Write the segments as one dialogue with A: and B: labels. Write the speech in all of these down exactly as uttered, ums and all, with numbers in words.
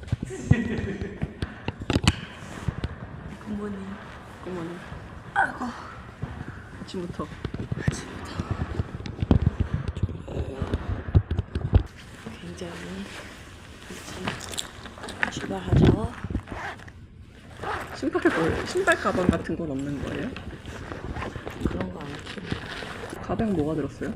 A: 굿모닝.
B: 굿모닝.
A: 아이고.
B: 아침부터.
A: 아침부터. 굉장히 일찍 출발하죠.
B: 신발 뭘? 신발 가방 같은 건 없는 거예요?
A: 그런 거 안 키우고.
B: 가방 뭐가 들었어요?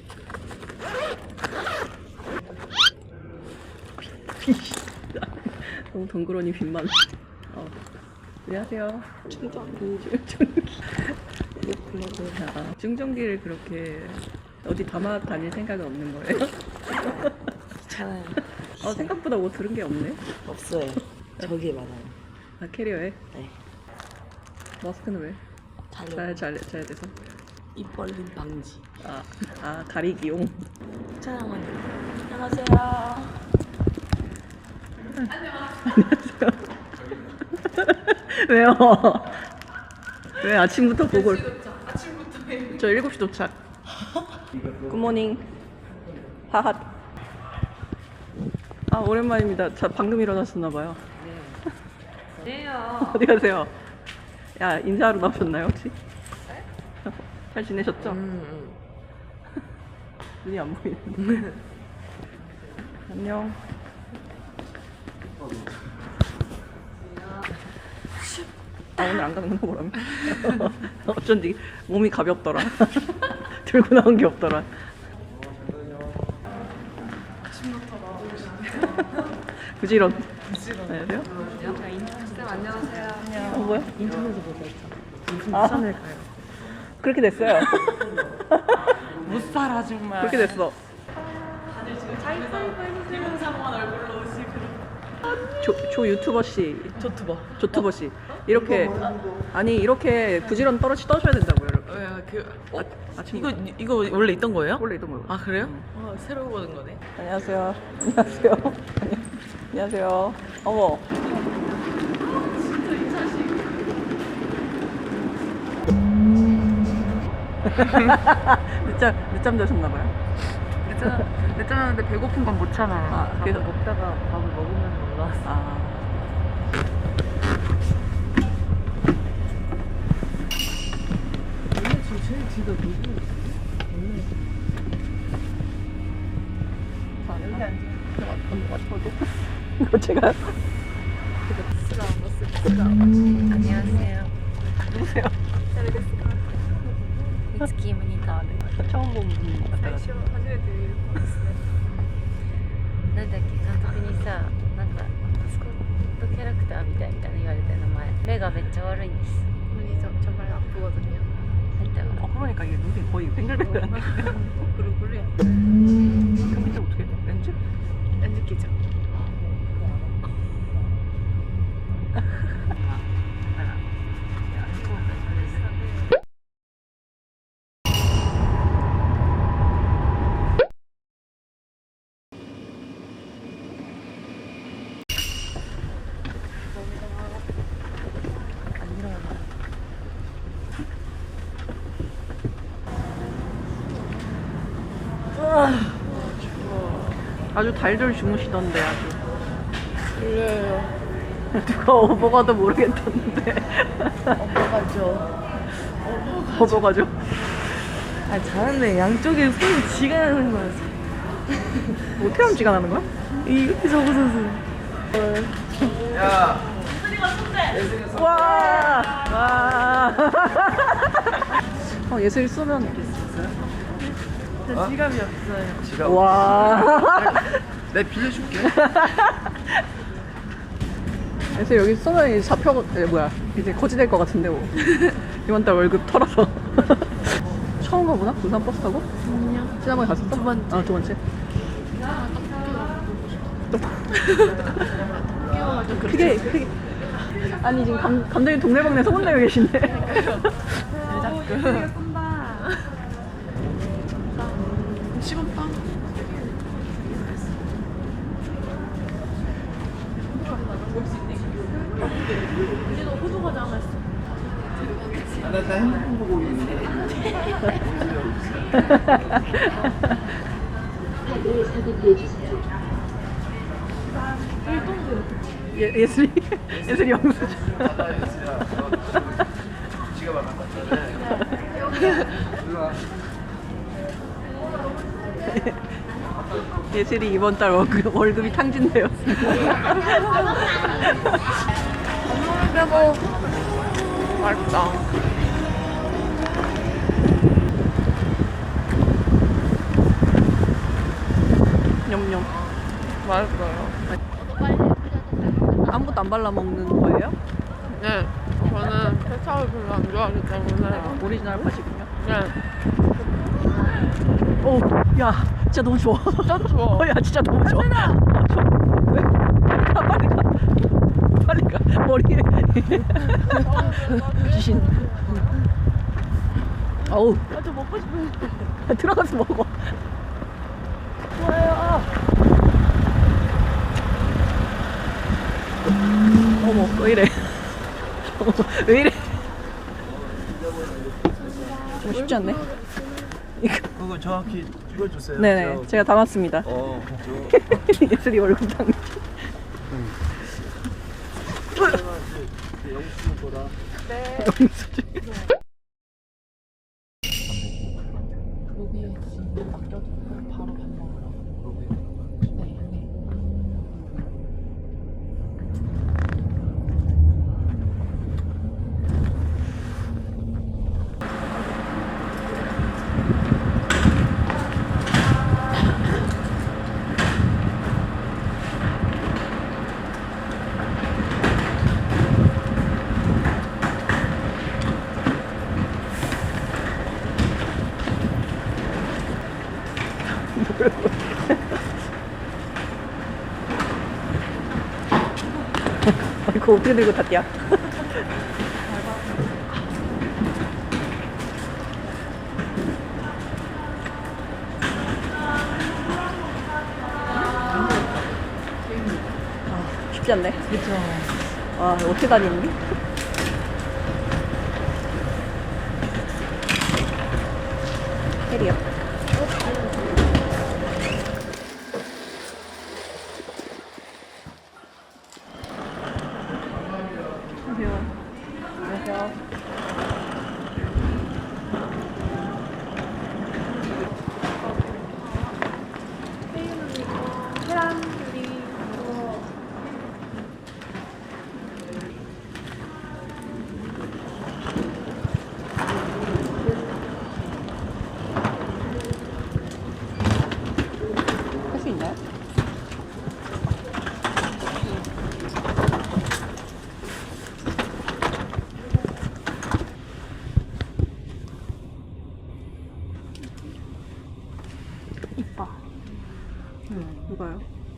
B: 너무 덩그러니 빈만. 어. 안녕하세요.
A: 충전기.
B: 충전기.
A: 블로그.
B: 아, 충전기를 그렇게 어디 담아 다닐 생각은 없는 거예요?
A: 귀찮아요.
B: 어, 생각보다 뭐 들은 게 없네.
A: 없어요. 저기에 많아요.
B: 아, 캐리어에?
A: 네.
B: 마스크는 왜?
A: 자려.
B: 잘, 잘, 잘 돼서?
A: 입 벌림 방지.
B: 아, 아, 가리기용.
A: 촬영은. 안녕하세요.
B: 안녕하세요. 왜요? 왜 아침부터 보고?
C: 아침부터 해.
B: 저 일곱 시 도착. 굿모닝. 하핫. 아, 오랜만입니다. 자, 방금 일어났었나봐요.
C: 네요.
B: 어디 가세요? 야, 인사하러 나오셨나요, 혹시? 잘 지내셨죠?
A: 음,
B: 눈이 안 보이는데. 안녕. 아, 오늘 안 가는 거 보라며. 어쩐지 몸이 가볍더라. 들고 나온 게 없더라.
C: 아침부터 나오시네.
B: 부지런.
C: 부지런.
B: 안녕하세요.
C: 쌤 안녕하세요.
B: 어, 뭐야?
A: 인터넷에 보고 있죠.
B: 아,
C: 부산을 가요.
B: 그렇게 됐어요.
C: 못 살아 정말.
B: 그렇게 됐어.
C: 다들 지금 자기서 이공삼오한 얼굴로 오시고.
B: 조, 조 유튜버 씨,
C: 조투버.
B: 조튜버 씨. 이렇게, 아니, 이렇게 부지런 떨어지 떠셔야 된다고요, 여러분.
C: 왜 그? 어,
B: 아, 아침
C: 이거 이거 원래 있던 거예요?
B: 원래 이던 거요.
C: 아 그래요? 어, 새로 보는 거네.
B: 안녕하세요. 안녕하세요. 안녕하세요. 어머.
C: 진짜 이 자식.
B: 늦잠, 늦잠 자셨나봐요.
C: 늦잠 늦잠 하는데 배고픈 건 못 참아요.
B: 아, 그래서
A: 먹다가 밥을 먹으면서 올라왔어.
B: 아.
A: 원래 지금 제일 뒤가 누구? 원래
B: 여기 앉아. 이거 제가
D: 안녕하세요.
B: 누구세요?
D: 미츠키 모니터で
B: 처음 본 분 같아요.
C: 初めて見る子ですね。
D: なんだっけ監督にさなんかマスコットキャラクターみたいみたいな言われて名前目がめっちゃ悪いんです
C: 눈이 저, 정말 아프거든요.
D: 한자가
B: 어, 그러니까 이게 눈이 거의 뱅글뱅글한데.
C: 그루그루야.
B: 그 밑에 어떻게 해? 렌즈?
C: 렌즈 끼죠.
B: 아주 달들 주무시던데 아주.
A: 졸려요.
B: 누가 업어가도 모르겠던데.
A: 먹어가죠.
B: 업어가죠.
A: 아 자는데 양쪽에 손이 지가 나는 거야.
B: 어떻게 하면 지가 나는 거야?
A: 이렇게 접어서서.
B: 와! 와! 어, 예슬이 쏘면 있어요?
A: 저 지갑이 없어요.
B: 와!
E: 내가 빌려줄게.
B: 예슬 여기 쏘면 이제 잡혀, 에, 뭐야, 이제 거지될 것 같은데, 뭐. 이번 달 월급 털어서. 처음 가보나? 부산 버스 타고?
A: 아니요.
B: 지난번에 갔었어?
A: 두 번째.
B: 아, 두 번째.
A: 끼워가지고
B: 크게, 크게. 아니, 지금 감, 감독님 동네방네 소문내고 계신데.
C: 시금빵.
A: 우리도 호두 과자 하나 했어.
E: 아, 나, 나 핸드폰 보고 있는데.
A: 일동도
B: 예, 예슬이 예슬이 영수증.
E: 지가 말한 거잖아.
B: 예슬이 이번 달 월급, 월급이 탕진되었습니다.
C: 그리고 맛있다.
B: 냠냠.
C: 맛있어요.
B: 아무것도 안 발라 먹는 거예요?
C: 네. 저는 케찹을 별로 안 좋아하기 때문에.
B: 오리지널 팥이군요.
C: 네.
B: 오, 야, 진짜 너무 좋아.
C: 진짜 좋아.
B: 어, 야, 진짜 너무 좋아. 어, 좋아. 왜? 빨리 가, 빨리 가. 빨리 가. 머리에. 귀신. 어우. 아, 저 먹고 싶어. 들어가서 먹어. 좋아요. 어머, 왜 이래? 어머, 왜 이래? 뭐 쉽지 않네. 이거.
E: 그거 정확히 찍어주세요.
B: 네네,
E: 저-
B: 제가 담았습니다.
E: 어, 저
B: 예슬이 얼굴 당.
E: 영수 거다.
B: 영수증.
C: 여기 지금 맡겨두고 바로 밥 먹으러. 네, 네.
B: 이거 어떻게 들고 탔냐? 아, 쉽지 않네.
A: 그쵸.
B: 아, 어떻게 다니니? 캐리어. 안녕하세요. 할 수 있나요? 이뻐. 누가요?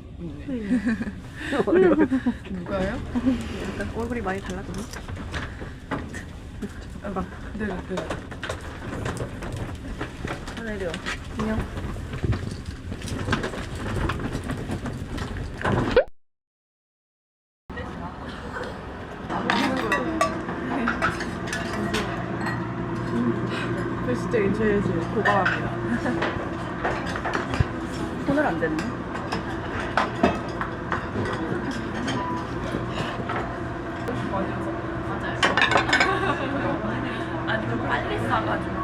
C: 누가요?
B: 약간 얼굴이 많이 달라졌네. 아,
C: 네, 네.
B: 하늘이요. 안녕.
A: 저 진짜 인터넷이 고마워합니다.
B: 손을 안 댔네.
C: 아니, 좀 빨리 싸가지고.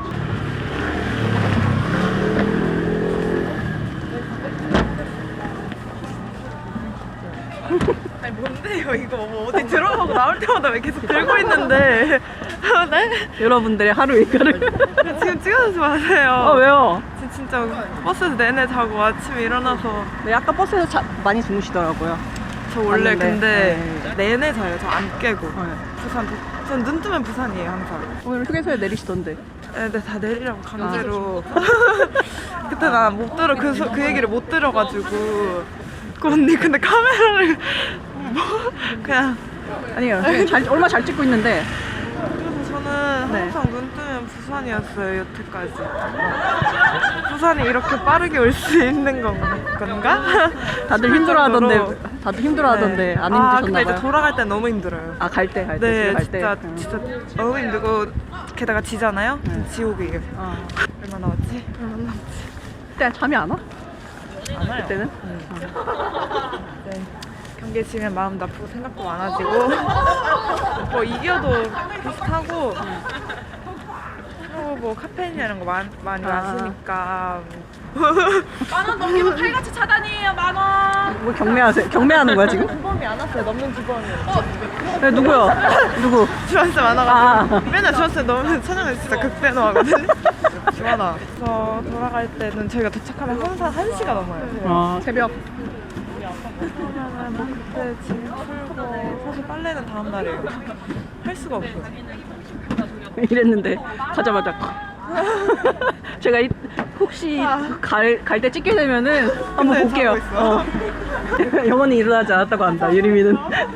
A: 아니 뭔데요 이거 뭐 어디 들어가고 나올 때마다 왜 계속 들고 있는데 네?
B: 여러분들의 하루 일과를.
A: 지금 찍어주지 마세요.
B: 어, 왜요?
A: 지- 진짜 버스에서 내내 자고 아침에 일어나서
B: 네, 아까 버스에서 자, 많이 주무시더라고요.
A: 저 원래
B: 맞는데.
A: 근데
B: 네.
A: 내내 자요. 저 안 깨고
B: 네.
A: 부산 전 눈 뜨면 부산이에요 항상.
B: 오늘 휴게소에 내리시던데.
A: 애들 다 내리라고 강제로 그때 나 못 들어 그, 소- 그 얘기를 못 들어가지고 그 언니 근데 카메라를 뭐 그냥
B: 아니요. 잘, 얼마 잘 찍고 있는데.
A: 그래서 저는
B: 네.
A: 항상 눈 뜨면 부산이었어요 여태까지. 부산이 이렇게 빠르게 올 수 있는 건, 건가?
B: 다들
A: 싶을
B: 힘들어하던데.
A: 정도로.
B: 다들 힘들어하던데.
A: 네.
B: 안
A: 아,
B: 힘드셨나
A: 근데
B: 봐요.
A: 이제 돌아갈 때 너무 힘들어요.
B: 아, 갈 때, 갈 때.
A: 네,
B: 집에 갈
A: 진짜
B: 때. 응.
A: 진짜 너무 힘들고 게다가 지잖아요.
B: 네.
A: 지옥이에요.
B: 어.
A: 얼마 남았지? 얼마 남았지?
B: 그때 잠이 안 와?
A: 안 와요.
B: 그때는?
A: 네. 경기에 지면 마음 나쁘고 생각도 많아지고 뭐 이겨도 비슷하고 그리고 뭐 카페인이나 이런 거 많, 많이
B: 아.
A: 마시니까
C: 만원 넘기면 칼같이 차단이에요 만원.
B: 뭐 경매하세요? 경매하는 거야 지금?
A: 주범이 안 왔어요. 넘는 주범이.
B: 네, 누구야? 누구?
A: 주한쌤 많아가지고
B: 아.
A: 맨날 주한쌤 넘으면 찬영은 진짜 극대노하거든요. 주한아 저 돌아갈 때는 저희가 도착하면 항상 한 시가 넘어요.
B: 아 새벽.
A: 그러면은 뭐 그때 짐 풀고 사실 빨래는 다음 날이에요. 할 수가 없어요.
B: 이랬는데 가자마자 제가 이, 혹시 갈 갈 때 찍게 되면은 한번
A: 근데
B: 볼게요.
A: 자고
B: 어. 영원히 일어나지 않았다고 한다 유리미는.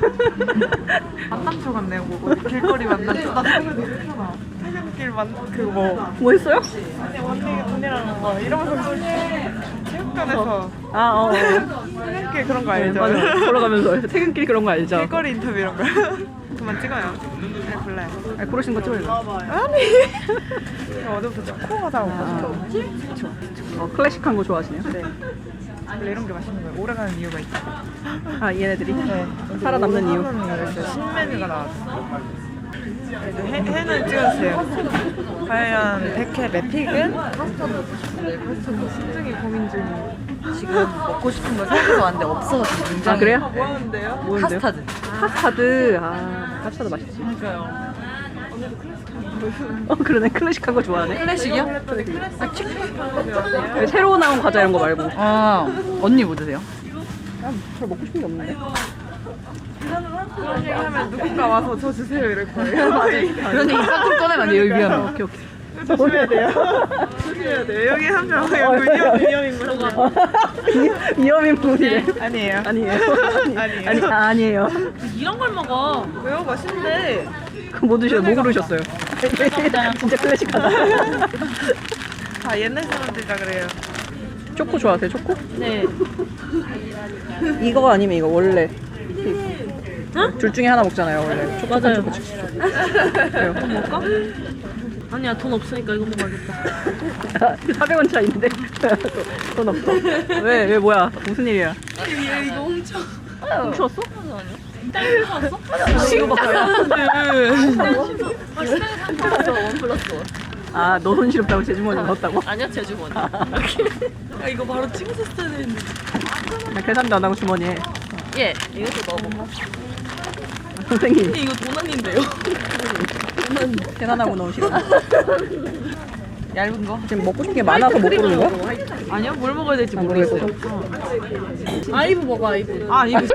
A: 만남초 같네요. 뭐 길거리 만남초. 나 퇴근했잖아. 퇴근길 만 그거 뭐
B: 뭐 했어요?
A: 아니 언니 돈이라는 거 이러면서 체육관에서
B: 아 어. 어.
A: 퇴근길 그런 거
B: 네,
A: 알죠?
B: 맞아. 걸어가면서 퇴근길 그런 거 알죠?
A: 길거리 인터뷰 이런 거. 그만 찍어요. 잘 골라요.
B: 아니, 고르신 거 찍어요.
A: 아니. 어제부터 초코가 다 먹고 싶죠.
B: 어, 클래식한 거 좋아하시네요?
A: 네. 원래 이런 게 맛있는 거예요. 오래가는 이유가 있어.
B: 아 얘네들이
A: 네.
B: 살아남는 이유.
A: 신메뉴가 나왔어요. 그래도 해, 해는 찍어주세요. 과연 백회 매픽은? 신중히 고민 중이에요.
C: 지금 먹고 싶은 거 생각해서 왔는데 없어가지고 굉장히.
B: 아 그래요?
A: 뭐 하는데요?
B: 뭐인데요?
C: 카스타드.
B: 카스타드. 아 카스타드 맛있지.
C: 그러니까요.
B: 어 그러네 클래식한 거 좋아하네.
C: 클래식이요?
B: 네, 새로 나온 과자 이런 거 말고.
C: 아 언니 뭐 드세요?
B: 별 먹고 싶은 게 없는데.
A: 그런 얘기 하면 누군가 와서 저 주세요 이럴 거예요.
C: 그런 얘기 싹 꺼내면 안 돼요 여기 위험해.
B: 오케이 오케이.
A: 조심해야 돼요. 조심해야 돼요. 여기 한 명 위험 위험인 거.
B: 위험인 분이래.
A: 아니에요.
B: 아니에요.
A: 아니에요.
B: 아니 아, 아니에요.
C: 이런 걸 먹어.
A: 왜요? 맛있는데.
B: 그럼 뭐 드셔요? 뭐 고르셨어요? 진짜 클래식하다.
A: 다 옛날 사람들이라 그래요.
B: 초코 좋아하세요? 초코?
C: 네.
B: 이거 아니면 이거 원래. 둘 중에 하나 먹잖아요 원래. 초코
C: 맞아요.
B: 초코 그래요.
C: 먹을까? 아니야 돈 없으니까 이거 먹어야겠다.
B: 사백 원 차이인데 돈 없어. 왜? 왜 뭐야? 무슨 일이야?
C: 얘 이거 훔쳐.
B: 훔쳤어? 아, 너 손 시렵다고 제 주머니에 넣었다고?
C: 아니야 제 주머니. 야 이거 바로 찍었었어야 되는데.
B: 나 계산도 안 하고 주머니에.
C: 예 이것도 넣어봐.
B: 선생님
C: 이거 돈 아닌데요?
B: 계산하고 넣으시고.
C: 얇은 거?
B: 지금 먹고 싶은 게 많아서 못 고르는 거야?
C: 아니요 뭘 먹어야 될지
B: 아,
C: 모르겠어요. 아이브 먹어 아이브. 아 이거.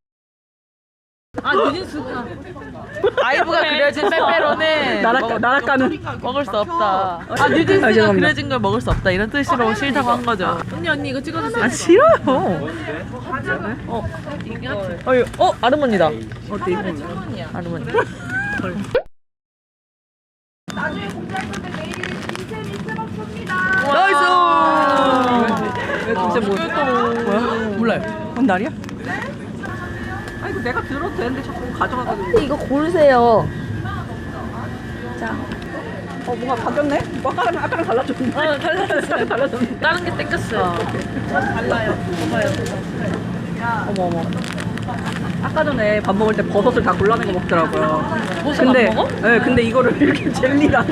C: 아 뉴진스구나. 아이브가 그려진 빼빼로는
B: 나락
C: 먹-
B: 나락가는.
C: 먹을 수 없다. 아
B: 아,
C: 뉴진스가
B: 죄송합니다.
C: 그려진 걸 먹을 수 없다 이런 뜻으로 싫다고 한 거죠. 언니 언니 이거 찍어주세요.
B: 아 싫어요.
C: 어 이게 하트. 어, 이거- 어 아르몬이다.
B: 어때 이거?
C: 아르몬.
B: 왜 진짜 뭐? 뭐야?
C: 몰라요.
B: 뭔 날이야? 아 이거 내가 들어도 되는데 자꾸 가져가가지고.
D: 이거 고르세요.
B: 어 뭔가 바뀌었네? 뭐 아까랑 아까랑 달라졌는데?
C: 어 달라졌어요.
B: 달라졌는데?
C: 다른 게 땡겼어요.
B: 어머 어머. 아까 전에 밥 먹을 때 버섯을 다 골라낸 거 먹더라고요.
C: 버섯
B: 근데
C: 안 먹어?
B: 네, 근데 이거를 이렇게 젤리랑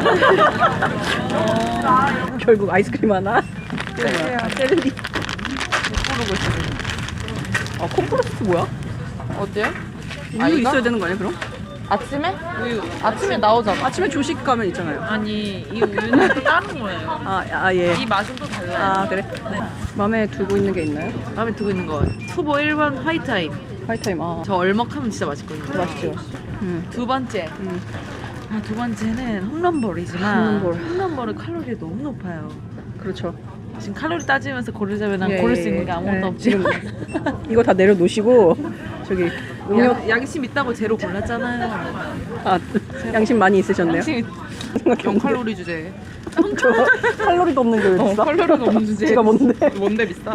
B: 결국 아이스크림 하나. 이거 뭐야? 아, 젤리. 모르고 있어. 아 콤프로스트 뭐야?
C: 어때요?
B: 우유
C: 아이가?
B: 있어야 되는 거 아니야 그럼?
C: 아침에? 우유. 아침에 나오잖아.
B: 아침에 조식 가면 있잖아요.
C: 아니 이 우유는 또 다른 거예요.
B: 아, 아 예.
C: 이 맛은 또 달라요.
B: 아 그래? 마음에 두고 있는 게 있나요?
C: 마음에 두고 있는 거 후보 일 번 화이트 아임.
B: 화이트타임. 아
C: 저 얼먹하면 진짜 맛있거든요.
B: 맛있죠. 음.
C: 두 번째.
B: 음.
C: 아, 두 번째는 홈런볼이지만
B: 홈런볼.
C: 홈런볼은 칼로리가 너무 높아요.
B: 그렇죠.
C: 지금 칼로리 따지면서 고르자면 난
B: 예,
C: 고를 수
B: 예,
C: 있는 게 아무것도
B: 예.
C: 없지.
B: 지금 이거 다 내려놓으시고 저기 음료
C: 양, 양심 있다고 제로 골랐잖아요.
B: 아 양심 많이 있으셨네요.
C: 양심 영 칼로리 주제.
B: 저 칼로리도 없는 게 왜
C: 어,
B: 비싸?
C: 칼로리가 없는 주제.
B: 제가 뭔데?
C: 뭔데 비싸?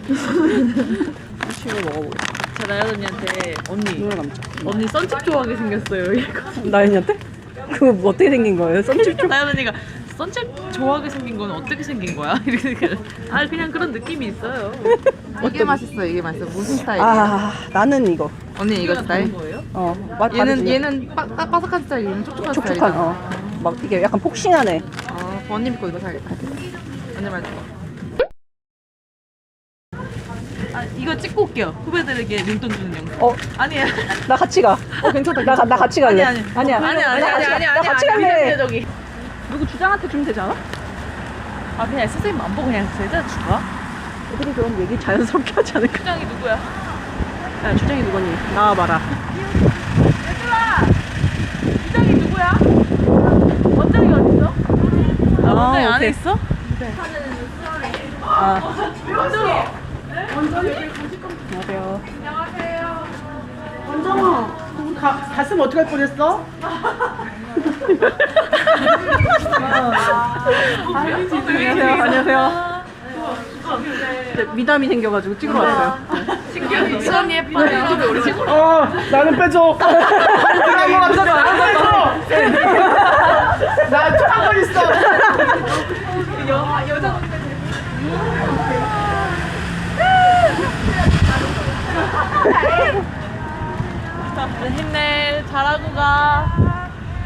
B: 치고 먹어보자.
C: 저 나연 언니한테 언니
B: 눈을 감자.
C: 언니 썬칩 좋아하게 생겼어요. 이거.
B: 나연이한테? 그거 뭐 어떻게 생긴 거예요? 썬칩 좀?
C: 나연 언니가 선책 좋아하게 생긴 건 어떻게 생긴 거야? 이렇게 아 그냥 그런 느낌이 있어요.
A: 이게 맛있어 이게 맛있어. 무슨 스타일이야?
B: 아 나는 이거.
A: 언니 이거 스타일?
C: 그런 거예요?
B: 어 맛
A: 얘는
B: 다르지.
A: 얘는 빠, 빠, 바삭한 스타일, 얘는 촉촉한
B: 촉촉한.
A: 스타일이잖아.
B: 어. 막 이게 약간 폭신하네.
A: 어, 언니 믿고 이거 사야겠다. 언니 말 들어.
C: 아 이거 찍고 올게요. 후배들에게 용돈 주는 영상.
B: 어
C: 아니야.
B: 나 같이 가.
A: 어 괜찮다.
B: 나, 가- 나 같이 갈래.
C: 아니, 아니.
B: 아니야.
C: 아니, 아니,
B: 나
C: 아니,
B: 같이 가-
C: 아니,
B: 나
C: 아니,
B: 같이
C: 아니,
B: 갈래.
C: 미안해요, 저기.
B: 누구 주장한테 주면 되지 않아?
C: 아 그냥 선생님 안 보고 그냥 제자 줄까?
B: 애들이 그런 얘기 자연스럽게 하지 않을까?
C: 부장이 누구야?
B: 야 주장이 누구니? 나와봐라.
C: 부장이 누구야? 원장이 어딨어? 아 원장이 안에
B: 오케이.
C: 있어?
B: 아. 안녕하세요.
F: 원정아, 너 가, 갔으면 어떡할 뻔했어?
B: 안녕하세요. 안녕하세요. 네, 미담이 생겨가지고 찍으러 왔어요.
C: 수원이 예뻐요. 유튜브에 올리지?
F: 어, 나는 빼줘. 나는 빼줘. 나는 빼줘. 나 촉한 건 있어.
C: 힘내. 잘하고 가.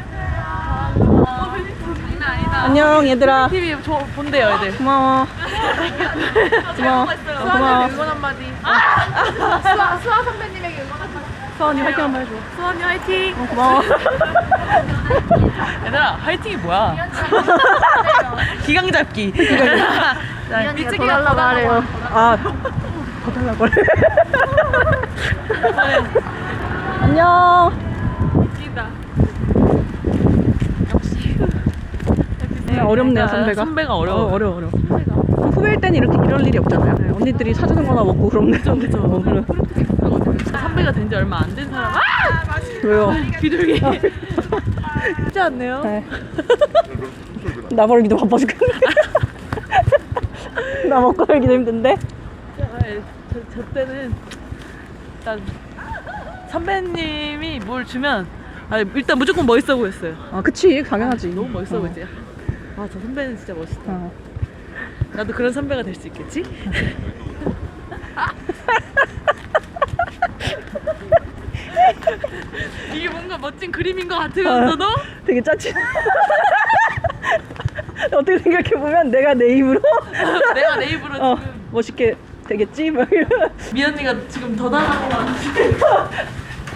B: 안녕 얘들아.
C: 티비 저 본대요 애들.
B: 고마워. 고마워. 고마워.
C: 응원 한마디.
B: 수아 수아 선배님에게 응원 한마디. 수아언니 화이팅 한번 해줘.
C: 수원이 화이팅.
B: 어, 고마워.
C: 얘들아 화이팅이 뭐야? 기강 잡기. 미치기가 더 달라고.
B: 아, 더 달라고 그래. 안녕. 네, 어렵네요 선배가.
C: 선배가 어려워.
B: 어, 어려워 어려워. 후배일 때는 이렇게 이럴 일이 없잖아요. 네, 언니들이 사주는 거나 먹고 그러면 좀 그죠. 어, 그래.
C: 선배가 된 지 얼마 안 된 사람. 아!
B: 왜요?
C: 비둘기. 쉽지 않네요.
B: 네. 나 벌기도 바빠 죽겠네. 나 먹고 살기도 힘든데.
C: 저, 저 때는 일단 선배님이 뭘 주면 아, 일단 무조건 멋있어 보였어요.
B: 아 그치 당연하지.
C: 너무 멋있어
B: 어.
C: 보이지. 아 저 선배는 진짜 멋있다.
B: 어.
C: 나도 그런 선배가 될 수 있겠지? 이게 뭔가 멋진 그림인 것 같으면서도
B: 되게 짜치. 어떻게 생각해보면 내가 내 입으로
C: 내가 내 입으로
B: 어,
C: 지금
B: 멋있게 되겠지? 막 이러.
C: 미연이가 지금 더 달라고 하는데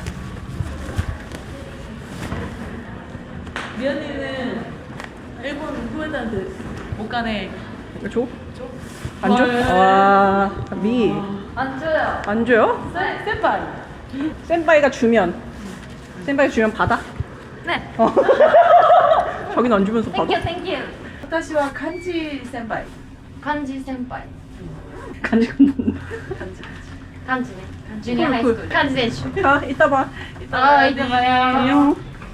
C: 미연이는 일본 후배들한테 못 가네.
B: 줘? 안 줘? 와, 미.
D: 안 줘요.
B: 안 줘요?
C: 세- 센파이.
B: 센파이가 주면. 센파이 주면 받아?
D: 네.
B: 어. 저긴 안 주면서 받아?
D: 땡큐 땡큐.
C: 私は漢字先輩。
D: 漢字先輩。
B: 간지가 뭔데?
D: 漢字ね。ジュニアハイスクール。漢字選手。
B: 자, 이따 봐.
D: あー、いってまよ。
B: 안녕.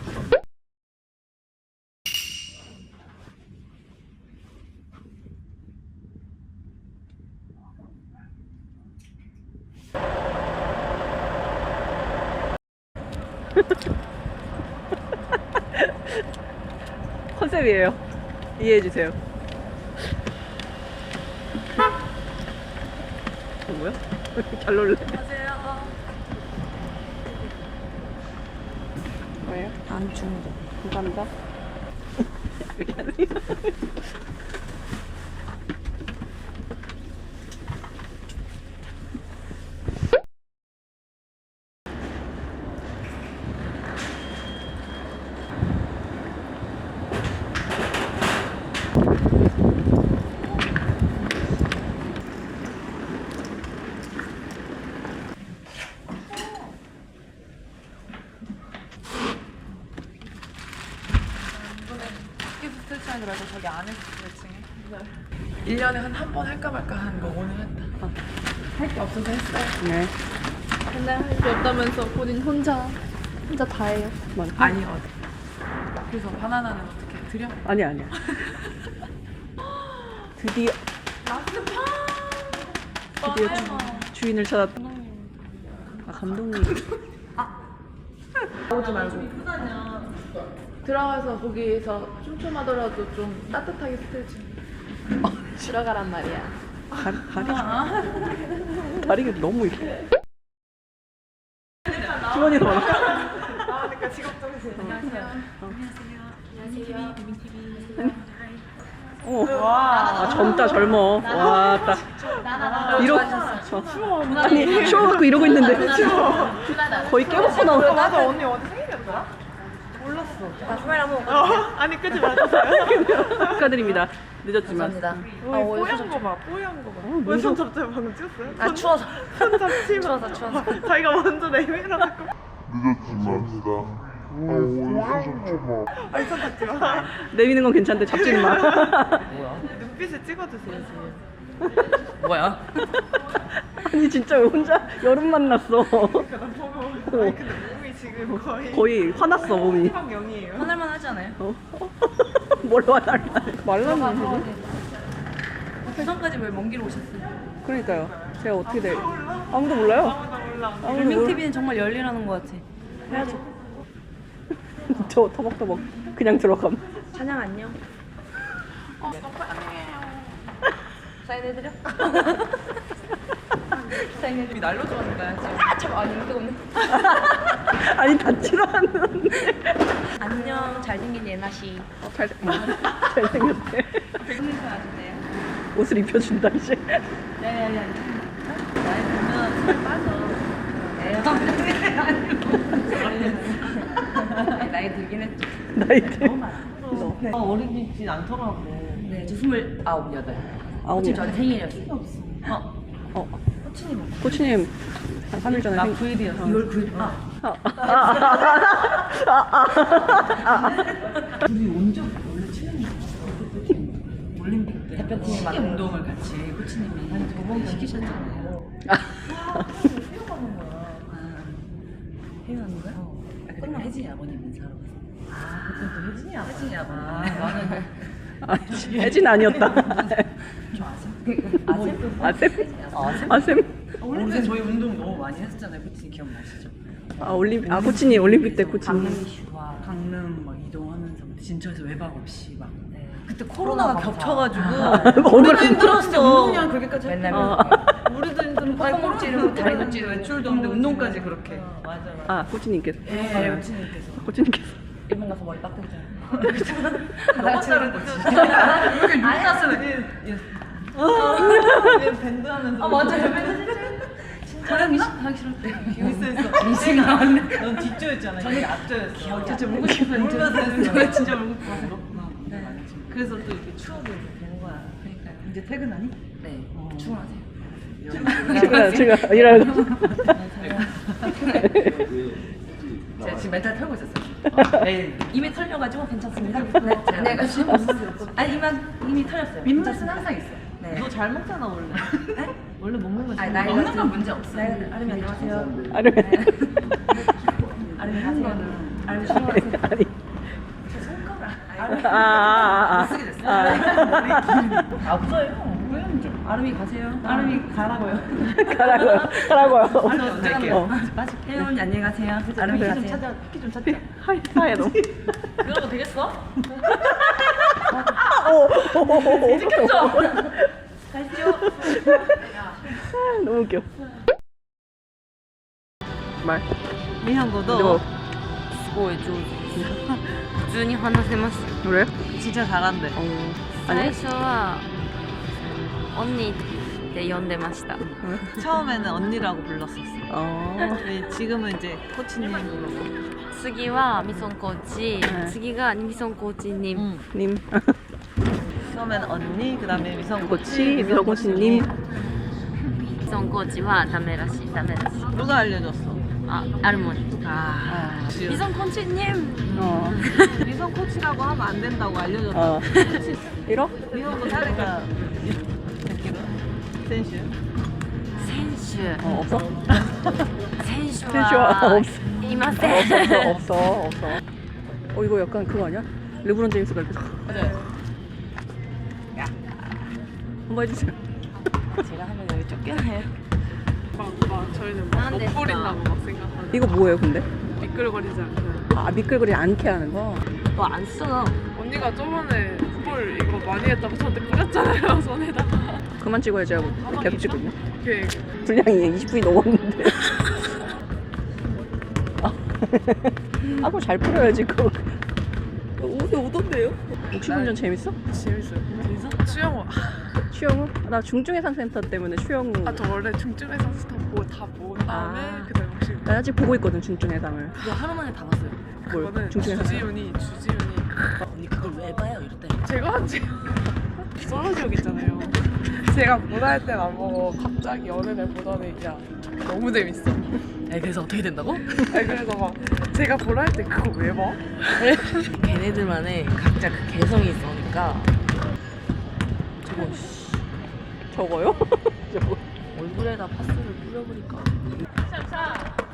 B: 컨셉이에요. 이해해 주세요. 어, 뭐야? 왜 이렇게 잘 놀래? 뭐예요? 안 중독. 감사합니다.
A: 스트레칭 그래서 저기 안에 스트레칭해. 일 년에 한 한 번 할까 말까 하는 거 오늘 했다. 할 게 없어서 했어요.
B: 네.
G: 맨날 할 게 없다면서 본인 혼자 혼자 다 해요.
A: 아니 어디. 그래서 바나나는 어떻게 드려?
B: 아니 아니야. 드디어 드디어 주, 주인을 찾았다. 아 감독님.
A: 오지 말고.
G: 들어가서 거기에서 춤춤하더라도 좀 따뜻하게 스트레칭 들어가란 말이야.
B: 다리, 다리. 다리가 너무 이렇게. 주머니 더 많아.
A: 아, 그러니까 직업 정신.
B: 어. 아, 젊다, 젊어. 와, 딱. 이러, 어. 아니, 쇼 갖고 이러고 있는데. 거의 깨먹고 나오고.
A: 맞아, 언니 어디 생일이었더라? 몰랐어.
D: 아, 카메라 뭐.
A: 어, 아니 끄지 말아주세요.
B: 축하드립니다. 늦었지만.
D: 감사합니다.
A: 어, 뽀얀 거 봐, 뽀얀 거 봐. 왜 손 잡지 방금 찍었어요?
D: 아, 추워서.
A: 손 잡지 마.
D: 추워서, 추워서.
A: 자기가 먼저 내밀어갖고. 아니 손 잡지 마.
B: 내미는 건 괜찮은데 잡지는 마.
A: 눈빛을 찍어주세요 지금.
C: 뭐야?
B: 아니, 진짜 왜 혼자 여름 만났어.
A: 그러니까 나 보고. 아니 근데 몸이 지금 거의.
B: 거의 화났어, 몸이.
A: 방 영이에요.
D: 하늘만 하지 않아요?
B: 어? 뭘로 화날 말랐네.
D: 부산까지 왜 먼 길 오셨어요?
B: 그러니까요. 제가 어떻게 돼? 아무도 몰라요.
A: 아무나 몰라.
B: 아무도
D: 불밍
B: 몰라.
D: 티비는 정말 열일하는 것 같아. 해야죠.
B: 저 터벅터벅 그냥 들어감.
D: 찬양 안녕.
A: 어,
D: 사인해드려? 사인해드려. 날려주었는데 지금. 참 아니 인기가 없네.
B: 아니, 닿지도 않는데.
D: 안녕 잘생긴 예나 씨.
B: 어, 잘, 잘생겼대.
D: 백미사 아주세요.
B: 옷을 입혀준다, 이제.
D: 야야야. 나이 보면 살 빠져. 에이. 나이 들긴 했죠.
B: 나이트.
C: 어, 어리진 않더라고.
D: 네, 저 스물아홉 여덟.
B: 아홉
D: 지금
B: 명.
D: 저는 생일이었어요. 어,
B: 어. 코치님, 한 삼 일 전에.
C: 나
B: 생-
C: 구 일이었어.
D: 이월 구일. 아,
B: 아, 아, 아, 아, 아, 아.
C: 우리 온적 원래 치는 올림픽 때
D: 대표팀이
C: 시계
D: 만나요.
C: 운동을 같이 코치님이 한 두 번 시키셨잖아요.
D: 해외하는 거야?
C: 어. 아, 끝나 혜진이 아버님 인사하러 갔어. 아, 그때 또 혜진이 아버지. 혜진이 아버지. 나는
B: 아, 혜진 아니었다.
C: 저 아셈? 아셈?
B: 아셈?
C: 아셈?
B: 아셈?
C: 올림픽 때 저희 운동 너무 많이 했었잖아요. 코치님 기억나시죠?
B: 아, 올림픽, 아, 코치님, 올림픽 때 코치님.
C: 강릉, 강릉 막 이동하면서 진천에서 외박 없이 막. 그때 코로나가 겹쳐가지고
B: 오늘
C: 우리도 힘들었어. 운동량 그렇게까지
D: 맨날
B: 어.
C: 우리도 힘들고
D: 콧구멍 찌르고 다리도 찌르고
C: 외출도 없는데 운동까지 그렇게. 맞아 맞아.
B: 아, 코치님께서.
C: 예, 코치님께서.
B: 코치님께서.
D: 일본 가서 머리 빡대잖아.
C: 너무 다른 거지. 이렇게 눈가스는 얘 밴드 하면서.
D: 아 맞아요. 촬영이 하기 싫을 때.
C: 있어 있어. 미싱 나왔네. 넌 뒷조였잖아. 저는 앞조였어. 진짜 물고 싶었는데. 저는 진짜 물고 싶어서 그렇구나. 네. 그래서 또 이렇게 추억이 이렇게 되는 거야. 그러니까 이제 퇴근하니?
D: 네.
C: 어.
D: 출근하세요.
B: 제가, 제가 일하러.
C: 제가 지금 멘탈 털고 있었어요. 내일
D: 이미 털려가지고 괜찮습니다. 네, 내가 지금 아니 이미 이미 털렸어요.
C: 민맛은 항상 있어.
D: 네.
C: 너 잘 먹잖아 원래. 네? 원래 먹는 거
D: 아니,
C: 잘
D: 나이가
C: 먹는 건
D: 좀-
C: 문제 없어.
D: 나이가 아름이 안녕하세요.
B: 아니,
D: 아름이 하세요. 아름이 출근하세요.
B: 아니. 아, 아, 아, 아. 아.
C: 없어요. 보여면 좀.
D: 아름이 가세요.
C: 아름이 가라고요.
B: 가라고요. 가라고요.
C: 아름 낼게요.
B: 어.
D: 혜연이 안녕히 가세요. 아름이
C: 좀
D: 가세요.
C: 찾아. 피 좀 찾자.
B: 하이, 하얘, 너무.
D: 그러고 되겠어?
B: 오, 오, 오, 오.
D: 시켰죠? 가시죠.
B: 너무 웃겨. 말.
C: 日本語ど
B: 너
C: う
D: すごい上手です普通に話せます
B: 그래?
C: 진짜 잘한대.
B: 어.
D: 最
B: 아니?
D: 初は「언니」って呼んでました
C: 처음에는 언니라고 불렀었어.
B: 어.
C: 근데 지금은 이제 코치님 부르고.
D: 次はミソンコーチ、
B: はい
D: 次がミソンコーチに、
C: 응.
B: 님.
C: 처음에는 언니, 그다음에 미성
B: 코치, 미성 코치님.
D: ミソンコーチはダメらしいダメらしい
C: 누가 알려줬어?
D: あアルモニ
C: 아.
D: ミソンコーチ님
B: 어.
C: 미성 코치라고 하면 안 된다고 알려줬다.
B: 어. 이러?
C: 미성도 사례가 몇 킬로? 센슈?
D: 選手
B: 어, 없어?
D: 選手
B: 選手は
D: は
B: 없어.
D: いませ
B: 없어,
D: ん
B: 없어, 없어, 없어. 어, 이거 약간 그거 아니야? 르브론 제임스가 이렇게.
C: 맞아요.
B: 한번 해주세요.
C: 제가 하면 여기 쫓겨나요.
A: 막, 막 저희는
D: 안
A: 막
D: 됐어.
A: 먹버린다고 막 생각하는.
B: 이거 뭐예요, 근데?
A: 미끌거리지 않게.
B: 아 미끌거리 않게 하는 거.
C: 너 안 쓰잖아.
A: 언니가 저번에 볼 이거 많이 했다고 저한테 뿌렸잖아요, 손에다가.
B: 그만 찍어야지 하고 계속 찍고 있네.
A: 그
B: 분량이 이십 분이 넘었는데. 아, 아 그거 잘 뿌려야지 그거.
C: 옷이 오던데요?
B: 혹시 운전 재밌어?
A: 재밌어요. 재밌어? 수영호.
B: 추영우? 나 중증해상센터 때문에 추영우.
A: 아, 저 원래 중증에서 스타 보고 다 본 다음에
B: 아.
A: 그다음에 혹시
B: 나 아직 보고 있거든 중증해상을.
C: 그거 하루 만에 다 봤어요.
B: 뭘?
A: 그거는
B: 중증해상.
A: 주지훈이 주지훈이
C: 언니 그걸 왜 봐요? 이럴 때.
A: 제가 한지 썰어지옥 있잖아요. 제가 보다 할 땐 안 보고 갑자기 어느 날 보더니 야 너무 재밌어.
C: 에 그래서 어떻게 된다고?
A: 아니, 그래서 막 제가 보라 할 때 그거 왜 봐?
C: 걔네들만의 각자 그 개성이 있으니까 저거 씨,
B: 저거요? 저거.
C: 얼굴에다 파스를 뿌려버릴까.